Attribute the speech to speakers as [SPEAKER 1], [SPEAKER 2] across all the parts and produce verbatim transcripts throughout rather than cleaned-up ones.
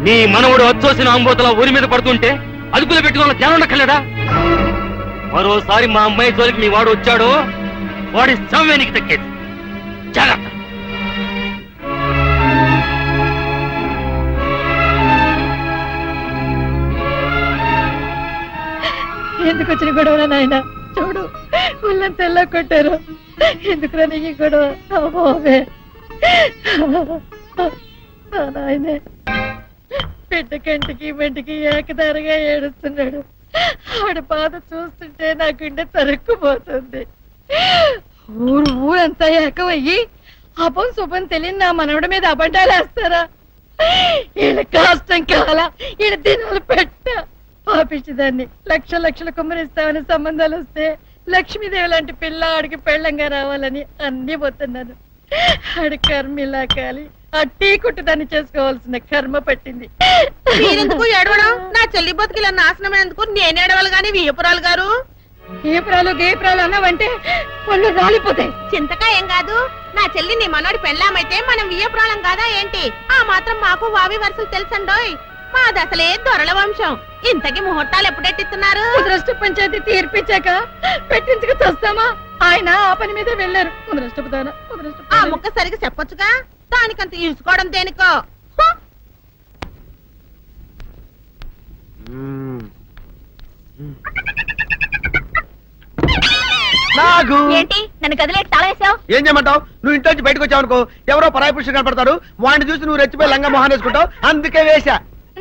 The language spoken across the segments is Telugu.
[SPEAKER 1] నీ మనవుడు వచ్చోసిన అంబోతల ఊరి మీద పడుతుంటే అదుపులో పెట్టుకున్న ధ్యానం ఉండక్కర్లేదా? మరోసారి మా అమ్మాయి జోలికి మీ వాడు వచ్చాడో వాడి సమయానికి తగ్గేది. జాగ్రత్త.
[SPEAKER 2] ఎందుకు వచ్చిన గొడవ నాయన? చూడు వాళ్ళని తెల్ల కొట్టారు. ఎందుకురా నీకు గొడవ? నాయనే బిడ్డ కంటికి బంటికి ఏకదారిగా ఏడుస్తున్నాడు. ఆవిడ బాధ చూస్తుంటే నా గుండె తరుక్కుపోతుంది. ఊరు ఊరంతా ఏకమయ్యి అపం శుభం తెలియని నా మనవడి మీద అబద్ధాలు వేస్తారా? వీళ్ళ కష్టం కాల ఈడ దినాలు పెట్ట పాపించదాన్ని లక్ష లక్షలు కుమ్మరిస్తామని సంబంధాలు వస్తే లక్ష్మీదేవి లాంటి పిల్ల ఆడికి పెళ్ళంగా రావాలని అన్ని పోతున్నాను. ఆడి కర్మ ఇలా కాలి ఆ టీ కుట్టు దాన్ని చేసుకోవాల్సిన కర్మ పట్టింది.
[SPEAKER 3] మీరెందుకు ఏడవడం? నా చెల్లి బతుకుల నాశనమైనందుకు నేను ఏడవాలి గాని వీయపురాలు గారు.
[SPEAKER 2] వీయపురాలు గేపురాలు అన్నావంటే వాళ్ళు రాలిపోతాయి.
[SPEAKER 3] చింతకా ఏం కాదు. నా చెల్లి నీ మనోడి పెళ్ళామైతే మనం వీయపురాలం కాదా ఏంటి? ఆ మాత్రం మాకు వావి వరుసలు తెలుసండోయ్. మాది అసలే దొరల వంశం. ఇంతకి ముహూర్తాలు ఎప్పుడెట్టిస్తున్నారు?
[SPEAKER 2] ముద్రష్ట పంచాయతీ తీర్పిచ్చాక పెట్టించుకు చూస్తామా? ఆయన ఆ పని మీద వెళ్ళారు. ముద్రష్టపుతానా
[SPEAKER 3] ఆ ముక్క సరిగా చెప్పొచ్చుగా. దానికంత ఇసుకోవడం దేనికో.
[SPEAKER 2] ఏంటి నన్ను గదిలేటి తాళేసావు?
[SPEAKER 4] ఏం చేయమంటావు? నువ్వు ఇంట్లో నుంచి బయటకు వచ్చావు అనుకో, ఎవరో పరాయి పురుషులు కనపడతారు. వాడిని చూసి నువ్వు రెచ్చిపోయి లంగా మొహాన్ వేసుకుంటావు. అందుకే వేశా.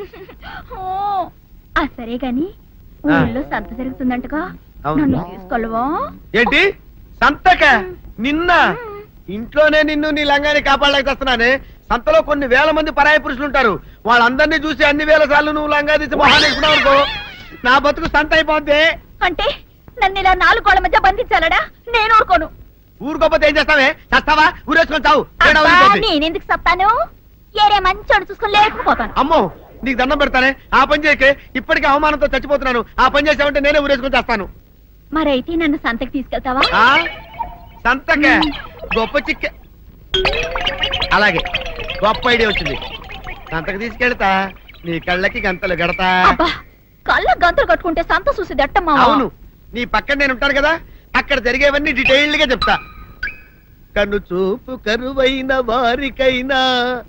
[SPEAKER 2] సరే గాని ఊళ్ళో సంత జరుగుతుందంటగా, నన్ను తీసుకెళ్ళవా?
[SPEAKER 4] ఏంటి సంతక? నిన్న ఇంట్లోనే నిన్ను నీ లంగాన్ని కాపాడలేకొస్తున్నానే. సంతలో కొన్ని వేల మంది పరాయి పురుషులు ఉంటారు. వాళ్ళందరినీ చూసి అన్ని వేల సార్లు నువ్వు లంగా తీసి మొహాన్ వేసుకున్నావు అనుకో, నా బతుకు సంత అయిపోద్ది.
[SPEAKER 2] అంటే నన్ను ఇలా నాలుగు కోళ్ళ మధ్య బంధించాలడా? నేను ఊరుకోను.
[SPEAKER 4] ఊరుకోపోతే ఏం చేస్తావే? చస్తావా? ఊరేసుకొని చావు.
[SPEAKER 2] నేనెందుకు చెప్తాను? ఏరే మంచోడు చూసుకొని లేకపోతాను.
[SPEAKER 4] అమ్మో నీకు దండం పెడతానే, ఆ పని చేయకే. ఇప్పటికే అవమానంతో చచ్చిపోతున్నాను. ఆ పని చేసావంటే నేనే ఊరేసుకొని చేస్తాను.
[SPEAKER 2] మరైతే నన్ను సంతకి తీసుకెళ్తావా?
[SPEAKER 4] సంతకే? గొప్ప చిక్క. అలాగే గొప్ప ఐడియా వచ్చింది. సంతకి తీసుకెళ్తా, నీ కళ్ళకి గంతలు గడతా.
[SPEAKER 2] కళ్ళ గంతలు కట్టుకుంటే సంత చూసి దట్టమ్మా.
[SPEAKER 4] అవును, నీ పక్కన నేను ఉంటాను కదా, అక్కడ జరిగేవన్నీ డీటెయిల్డ్ గా చెప్తా. కను చూపు కరువైన వారికైనా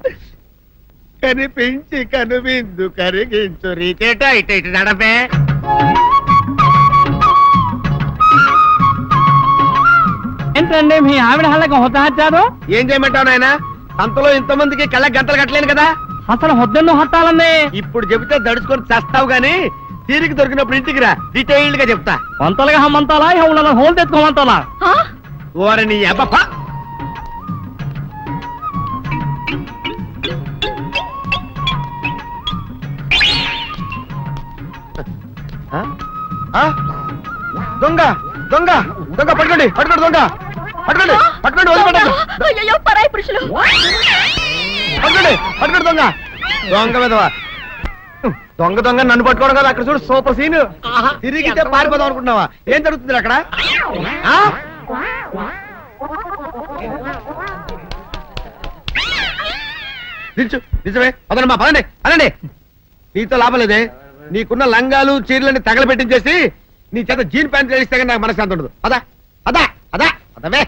[SPEAKER 4] కనిపించి కనువిందు కరిగించు రీతేట ఇట ఇటు నడపే.
[SPEAKER 5] ఏంటండి మీ ఆవిడ హళ్ళకి హొత్తహచ్చారు?
[SPEAKER 4] ఏం చేయమంటావు నాయన? సంతలో ఇంతమందికి కళ్ళకి గంటలు కట్టలేను కదా.
[SPEAKER 5] అసలు హొద్దెన్ను హత్తాలండి.
[SPEAKER 4] ఇప్పుడు చెబితే దడుచుకొని చేస్తావు గాని తీరికి దొరికినప్పుడు ఇంటికి రా, డీటెయిల్డ్ గా చెప్తా.
[SPEAKER 5] వంతలుగా హమ్మంతాలా ఇవాళ హోల్ తెచ్చుకోమంటాలా?
[SPEAKER 4] ఓర నీ అబ్బ. దొంగ దొంగ దొంగ పట్టుకోండి పట్టుకోండి దొంగ పట్టుకోండి పట్టుకోండి వదిలిపెట్టండి.
[SPEAKER 2] పరాయి పురుషులు
[SPEAKER 4] పట్టుకోండి పట్టుకోండి దొంగ దొంగ విధవా. దొంగ దొంగ నన్ను పట్టుకోవడం కదా. అక్కడ చూడు సూపర్ సీన్. తిరిగితే పారిపోదాం అనుకుంటున్నావా? ఏం జరుగుతుంది అక్కడ? నిజమే అదనమ్మా, పదండి అనండి. నీతో లాభం లేదే. నీకున్న లంగాలు చీరలని తగలబెట్టించేసి నీ చేత జీన్ ప్యాంట్ వేస్తే కానీ నాకు మనశ్శాంతి ఉండదు. అదా అదా అదా అదవే.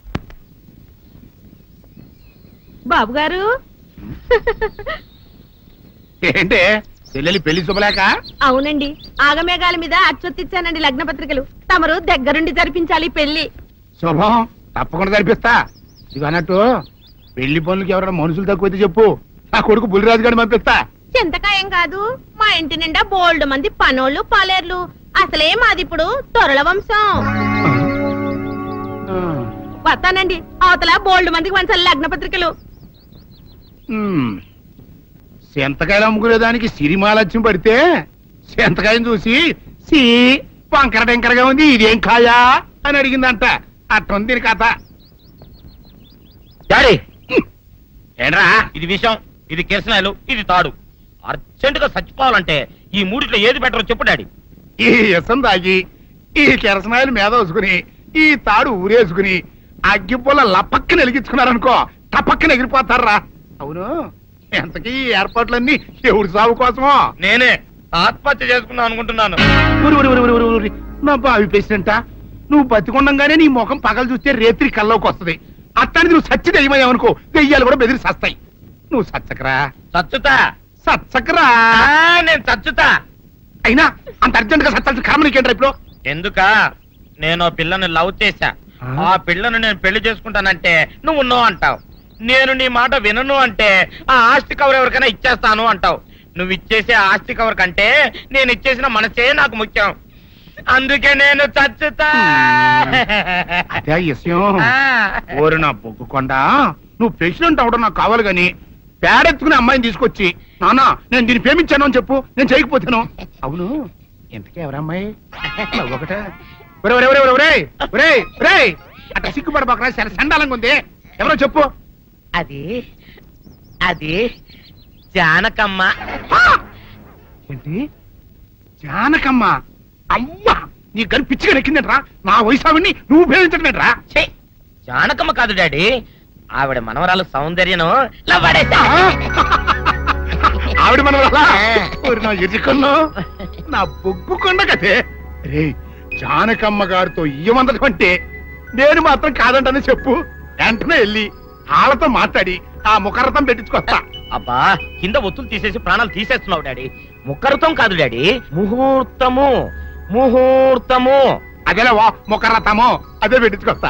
[SPEAKER 3] బాబు గారు
[SPEAKER 4] ఏంటే చెల్లెలి పెళ్లి శుభలేక?
[SPEAKER 3] అవునండి, ఆగమేఘాల మీద అచ్చొత్తిచ్చానండి లగ్న పత్రికలు. తమరు దగ్గరుండి జరిపించాలి పెళ్లి.
[SPEAKER 4] శుభం, తప్పకుండా జరిపిస్తా. ఇది అన్నట్టు పెళ్లి పనులకి ఎవరైనా మనుషులు తక్కువైతే చెప్పు, నా కొడుకు బుల్లిరాజు గారిని పంపిస్తా.
[SPEAKER 3] చింతకాయం కాదు, మా ఇంటి నిండా బోల్డ్ మంది పనోళ్ళు పాలేర్లు. అసలే మాది ఇప్పుడు తొరల వంశం. వస్తానండి, అవతల బోల్డ్ మందికి వంచాలి లగ్న పత్రికలు.
[SPEAKER 4] సెంతకాయలు అమ్ముకునేదానికి సిరిమాలత్యం పడితే సెంతకాయని చూసి సి వంకర టెంకరగా ఉంది, ఇదేం కాయా అని అడిగిందంట. అట్టుంది దీని కథ.
[SPEAKER 1] డాడీ ఏంట్రా ఇది విషయం? ఇది కిరసనాయలు, ఇది తాడు. అర్జెంట్ గా చచ్చిపోవాలంటే ఈ మూడిట్లో ఏది బెటర్ చెప్పు డాడీ.
[SPEAKER 4] ఈ ఇసం తాగి ఈ కిరసనాయలు మీద వేసుకుని ఈ తాడు ఊరేసుకుని అగ్గిపూల లపక్కన వెలిగించుకున్నారనుకో, టపక్కన ఎగిరిపోతారా. అవును
[SPEAKER 6] ఎంతకీ ఈ ఏర్పాట్లన్నీ ఎవరి సాగు కోసమో?
[SPEAKER 1] నేనే ఆత్మహత్య చేసుకుందాం అనుకుంటున్నాను.
[SPEAKER 6] ఊరి, ఊరి, ఊరి, ఊరి, ఊరి, ఊరి. నా బావి పేసినంట నువ్వు బతికొండంగానే నీ ముఖం పగలు చూస్తే రేత్రి కల్లోకి వస్తది. అత్తానికి నువ్వు సచ్చి దెయ్యమయ్యావనుకో దెయ్యాలు కూడా బెదిరి సస్తాయి. నువ్వు సచ్చకరా
[SPEAKER 1] చచ్చుతా.
[SPEAKER 6] సచ్చకరా.
[SPEAKER 1] ఆ, నేను చచ్చుతా.
[SPEAKER 6] అయినా అంత అర్జెంట్ గా సత్తాల్సిన కర్మ నీకేంట్రా ఇప్పుడు?
[SPEAKER 1] ఎందుక నేను పిల్లను లవ్ చేశా. ఆ పిల్లను నేను పెళ్లి చేసుకుంటానంటే నువ్వు నో అంటావు. నేను నీ మాట వినను అంటే ఆ ఆస్తి కవర్ ఎవరికైనా ఇచ్చేస్తాను అంటావు. నువ్వు ఇచ్చేసే ఆస్తి కవర్ కంటే నేను ఇచ్చేసిన మనసే నాకు ముఖ్యం. అందుకే నేను చచ్చుతా.
[SPEAKER 6] అదే విషయం.
[SPEAKER 1] ఆ.
[SPEAKER 6] ఓరి నా బొగ్గుకొండ, నువ్వు ప్రెసిడెంట్ అవడం నాకు కావాలి గాని పేడెత్తుకునే అమ్మాయిని తీసుకొచ్చి నానా నేను దీన్ని ప్రేమించాను అని చెప్పు, నేను చేయకపోతాను. అవును, ఇంతకీ ఎవరమ్మాయి? ఒకటే అట్లా సిగ్గుపడబోకరా, చాలా సండాలంగా ఉంది. ఎవరో చెప్పు.
[SPEAKER 1] అది అది జానకమ్మ.
[SPEAKER 6] ఏంటి జానకమ్మ? అమ్మా నీ గని పిచ్చిగా నెక్కిందంట్రా. నా వయసావిని నువ్వు ప్రేమించటమేట్రా?
[SPEAKER 1] ఛీ, జానకమ్మ కాదు డాడీ, ఆవిడ మనవరాలు సౌందర్యను
[SPEAKER 6] ఆవిడ మనం నా ఎదుకున్నా నా బొగ్గు కొండ కదే. రే జానకమ్మ గారితో ఇయ్యమందడం అంటే నేను మాత్రం కాదంటనే చెప్పు. వెంటనే వెళ్ళి వాళ్ళతో మాట్లాడి ఆ ముఖరథం పెట్టించుకొస్తా.
[SPEAKER 1] అబ్బా, కింద ఒత్తులు తీసేసి ప్రాణాలు తీసేస్తున్నావు డాడీ. ముఖరుతం కాదు డాడీ, ముహూర్తము. ముహూర్తము
[SPEAKER 6] అదేలా వా ముఖరథము, అదే పెట్టించుకొస్తా.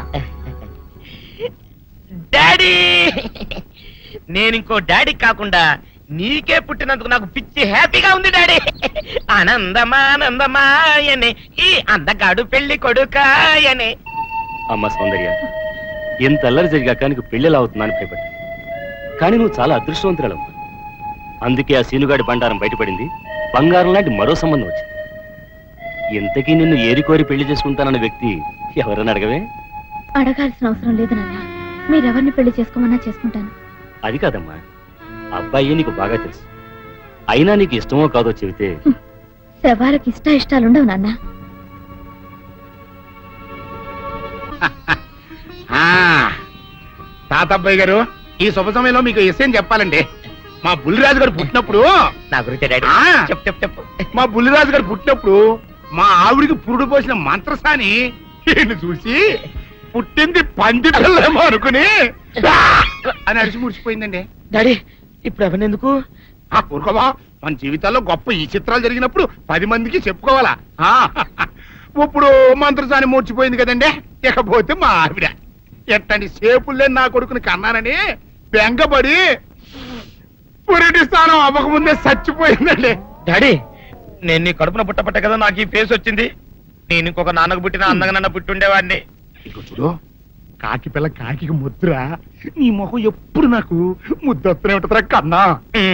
[SPEAKER 1] డాడీ, నేను ఇంకో డాడీ కాకుండా నీకే పుట్టినందుకు నాకు పిచ్చి హ్యాపీగా ఉంది డాడీ. ఆనందమానందమాయనే ఈ అందగాడు పెళ్లి కొడుకాయనే.
[SPEAKER 7] అమ్మ సౌందర్య, ఎంత అల్లరి జరిగాక నీకు పెళ్లిలా అవుతుందని భయపడ్డా. కానీ నువ్వు చాలా అదృష్టవంతురాలమ్మా. అందుకే ఆ సీనుగాడి బండారం బయటపడింది, బంగారం లాంటి మరో సంబంధం వచ్చింది. ఇంతకీ నిన్ను ఏరికోరి పెళ్లి చేసుకుంటానన్న వ్యక్తి ఎవరని అడగవే?
[SPEAKER 8] అడగాల్సిన అవసరం లేదు నాన్న, మీరెవరిని పెళ్లి చేసుకోమన్నా చేసుకుంటాను.
[SPEAKER 7] అది కాదమ్మా, అబ్బాయి నీకు బాగా తెలుసు. అయినా నీకు ఇష్టమో కాదో చెబితే.
[SPEAKER 8] శవాలకి ఇష్ట ఇష్టాలుండవు నాన్న.
[SPEAKER 6] తాతబ్బాయి గారు, ఈ శుభ సమయంలో మీకు విషయం చెప్పాలండి. మా బుల్లిరాజు గారు పుట్టినప్పుడు
[SPEAKER 1] నా గురించి డాడీ
[SPEAKER 6] ఆ.
[SPEAKER 1] చెప్పు చెప్పు చెప్పు.
[SPEAKER 6] మా బుల్లిరాజు గారు పుట్టినప్పుడు మా ఆవిడికి పురుడు పోసిన మంత్రసాని ఈయన చూసి పుట్టింది పంది పిల్లేమో అనుకుని "ఆ!" అని అరిచి ముడిచిపోయిందండి.
[SPEAKER 1] డాడీ, ఇప్పుడు అవన్నీ ఎందుకు?
[SPEAKER 6] ఆ ఊరుకోవా, మన జీవితాల్లో గొప్ప ఈ చిత్రాలు జరిగినప్పుడు పది మందికి చెప్పుకోవాలా. ఆ, ఇప్పుడు మంత్రసాని మూర్చిపోయింది కదండి. ఇకపోతే మా ఆవిడ ఎట్టండి సేపుల్లే నా కొడుకుని కన్నానని బెంగపడి పురిటి స్థానం అవ్వకముందే చచ్చిపోయిందండి.
[SPEAKER 1] డాడీ, నేను నీ కడుపున పుట్టపట్ట కదా నాకు ఈ ఫేస్ వచ్చింది. నేను ఇంకొక నాన్నకు పుట్టిన అందంగా నన్ను పుట్టుండేవాడిని.
[SPEAKER 6] ఇక చూడు, కాకి పిల్ల కాకి ముద్ర, నీ మొహం ఎప్పుడు నాకు ముద్దొత్తనే ఉంటుందిరా కన్నా.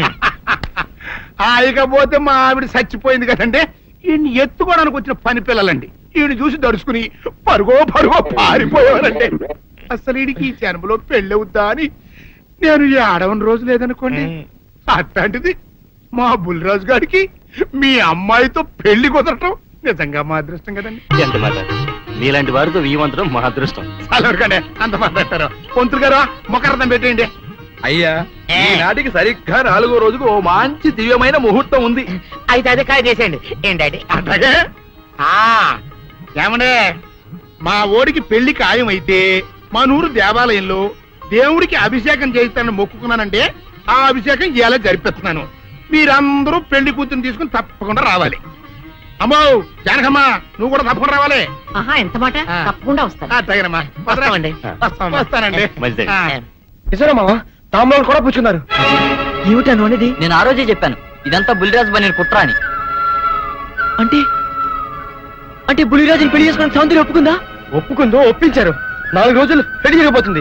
[SPEAKER 6] ఆయకపోతే మా ఆవిడ చచ్చిపోయింది కదండి. ఈయన్ని ఎత్తుకోవడానికి వచ్చిన పని పిల్లలండి. ఈయన చూసి దడుచుకుని పరుగో పరుగో పారిపోయేవారండి. అసలు ఈడికి ఈ జన్మలో పెళ్ళవుద్దా అని నేను ఈ ఆడవని రోజు లేదనుకోండి. అట్లాంటిది మా బుల్లిరాజు గారికి మీ అమ్మాయితో పెళ్లి కుదరటం నిజంగా మా అదృష్టం కదండి.
[SPEAKER 7] ఎంత మాట, నీలాంటి వారితో వీయమంతరం మా అదృష్టం.
[SPEAKER 6] చాలవరకండి అంత మాట్లాడతారు. పొంతులు గారు మొకరదం పెట్టేయండి.
[SPEAKER 4] అయ్యా, ఈనాటికి సరిగ్గా నాలుగో రోజుకు ఓ మంచి దివ్యమైన ముహూర్తం ఉంది.
[SPEAKER 1] అయితే అదే కాయ చేసేయండి. ఏం డాడీ?
[SPEAKER 6] అట్లాగే ఏమండే, మా ఓడికి పెళ్లి ఖాయం అయితే మా నూరు దేవాలయంలో దేవుడికి అభిషేకం చేయిస్తానని మొక్కుకున్నానంటే ఆ అభిషేకం ఇలా జరిపిస్తున్నాను. మీరందరూ పెళ్లి కూతురు తీసుకుని తప్పకుండా రావాలి. అమ్మో జానకమ్మ, నువ్వు కూడా తప్పకుండా రావాలి.
[SPEAKER 3] ఆహా, ఎంత మాట, తప్పకుండా వస్తాను.
[SPEAKER 6] అట్లాగేనమ్మా,
[SPEAKER 1] వస్తామండి.
[SPEAKER 6] వస్తానండి.
[SPEAKER 7] మంచిది.
[SPEAKER 4] నిజమా తాంబూలాలు కూడా పుచ్చుకున్నారు?
[SPEAKER 5] ఏమిటాను అనేది?
[SPEAKER 9] నేను ఆ రోజే చెప్పాను, ఇదంతా బుల్లిరాజు బని కుట్ర అని.
[SPEAKER 5] అంటే అంటే బుల్లిరాజుని పెళ్లి చేసుకుని సౌందర్యం ఒప్పుకుందా?
[SPEAKER 4] ఒప్పుకుందో, ఒప్పించారు. నాలుగు రోజులు పెళ్లి జరిగిపోతుంది.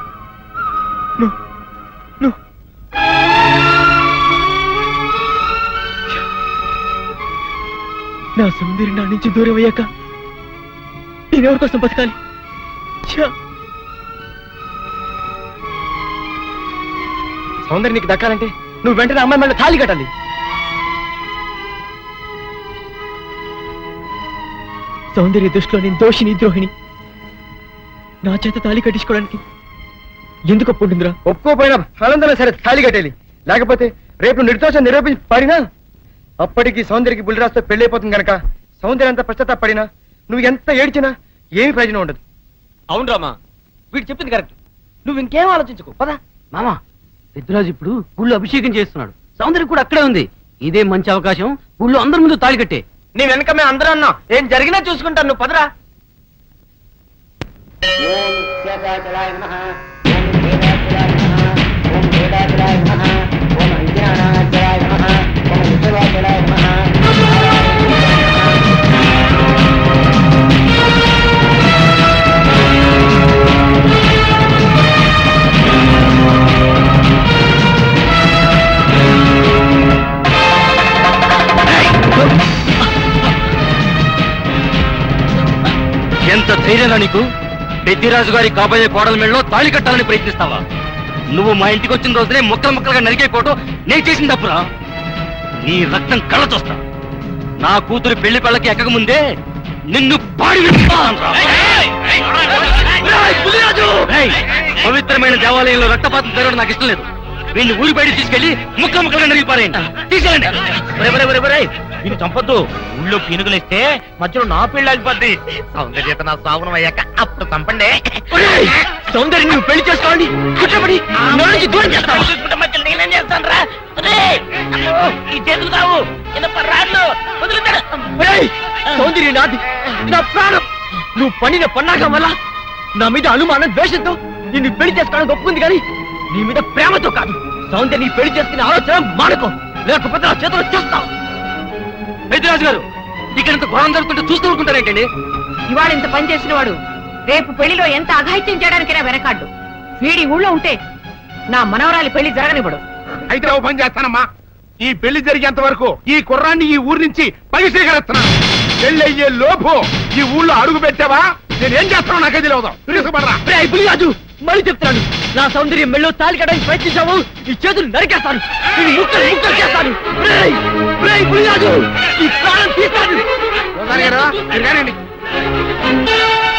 [SPEAKER 5] నా సౌందర్యం నా నుంచి దూరం అయ్యాక నేనెవరి కోసం బతకాలి? ఛ!
[SPEAKER 4] సౌందర్య నీకు దక్కాలంటే నువ్వు వెంటనే అమ్మాయి మళ్ళీ తాళి కట్టాలి.
[SPEAKER 5] సౌందర్య దృష్టిలో నేను దోషిని, ద్రోహిణి. నా చేత తాళి కట్టించుకోవడానికి ఎందుకు ఒప్పుకుంటుందిరా?
[SPEAKER 4] ఒప్పుకోపోయినా ఫలందరూ సరే తాళి కట్టేది.
[SPEAKER 5] లేకపోతే రేపు నిర్దోషం నిరూపించి పడినా అప్పటికి సౌందర్యకి బుల్లిరాజుతో పెళ్లి అయిపోతుంది గనక సౌందర్య అంత పశ్చాత్తాపడినా నువ్వు ఎంత ఏడ్చినా ఏమి ప్రయోజనం ఉండదు.
[SPEAKER 9] అవును రామా, వీడు చెప్పింది కరెక్ట్. నువ్వు ఇంకేం ఆలోచించుకో పదా. మామా, పెద్దరాజు ఇప్పుడు ఊళ్ళో అభిషేకం చేస్తున్నాడు. సౌందర్యం కూడా అక్కడే ఉంది. ఇదే మంచి అవకాశం. ఊళ్ళో అందరి ముందు తాళి కట్టే.
[SPEAKER 5] నీ వెనక మేము అందరూ అన్నాం. ఏం జరిగినా చూసుకుంటాను. నువ్వు పదరా.
[SPEAKER 7] ఎంత ధైర్యంగా నీకు? పెద్దిరాజు గారి కాబోయే కోడల మెళ్ళలో తాళి కట్టాలని ప్రయత్నిస్తావా? నువ్వు మా ఇంటికి వచ్చిన రోజునే ముక్కలు ముక్కలుగా నరికైపోవటం నేను చేసిన తప్పురా. నీ రక్తం కళ్ళ చూస్తా. నా కూతురు పెళ్లి పెళ్ళకి ఎక్కక ముందే నిన్ను పాడి విడుస్తానురా. ఏయ్, పవిత్రమైన దేవాలయంలో రక్తపాతం జరగడం నాకు ఇష్టం లేదు. వీడిని ఊరి బయట తీసుకెళ్లి ముక్క ముక్కలుగా నరిగి పారేయండి. తీసుకెళ్ళండి.
[SPEAKER 1] వీళ్ళు చంపొద్దు. ఊళ్ళో పీనుగులేస్తే మధ్యలో నా పెళ్లి ఆగిపోద్ది. సౌందర్యత నా సాగునం అయ్యాక అప్పుడు చంపండి.
[SPEAKER 5] సౌందర్యం నువ్వు పెళ్లి చేసుకోండి. కుట్రపడి నా నుంచి దూరం చేస్తావా?
[SPEAKER 1] చూసుకుంటే మధ్యలో నేనేం చేస్తాను రా? ఈ చేతులు కావు రాళ్ళు వదులుతాడు.
[SPEAKER 5] ఒరేయ్, సౌందర్యం నాది, నా ప్రాణం. నువ్వు పడిన పన్నాగం వల్ల నా మీద అనుమానం ద్వేషంతో నిన్ను పెళ్లి చేసుకోవడానికి ఒప్పుకుంది కానీ నీ మీద ప్రేమతో కాదు. సౌందర్యం నీ పెళ్లి చేసుకునే ఆలోచన మానుకో, లేకపోతే నా చేతులు చేస్తావు.
[SPEAKER 7] పెద్దిరాజు గారు, ఇక్కడంత ఘోరం జరుగుతుంటే చూస్తూ ఊరుకుంటారేంటండి?
[SPEAKER 3] ఇవాళ ఇంత పని చేసిన వాడు రేపు పెళ్లిలో ఎంత అఘాయిత్యం చేయడానికైనా వెనకాడ్డు. వీడి ఊళ్ళో ఉంటే నా మనవరాలి పెళ్లి జరగనివ్వడు.
[SPEAKER 6] అయితే ఓ పని చేస్తానమ్మా, ఈ పెళ్లి జరిగేంత వరకు ఈ కుర్రాన్ని ఈ ఊరి నుంచి పగిసేగలుగుతున్నాను. పెళ్లి అయ్యే లోపు ఈ ఊళ్ళో అడుగు పెట్టావా నేనేం చేస్తానో నాకే తెలియదు. తెలుసుకుపడరా.
[SPEAKER 5] రాజు, మళ్ళీ చెప్తాను, నా సౌందర్యం మెళ్ళో తాళి కట్టడానికి ప్రయత్నించావు, ఈ చేతులు నరికేస్తాను. నేను ముక్కలు ముక్కలు చేస్తాను. రేయ్, రేయ్ పులిరాజు, ఈ ప్రాణం తీస్తాను.
[SPEAKER 6] ఓసారి గారు, మీరు కానివ్వండి.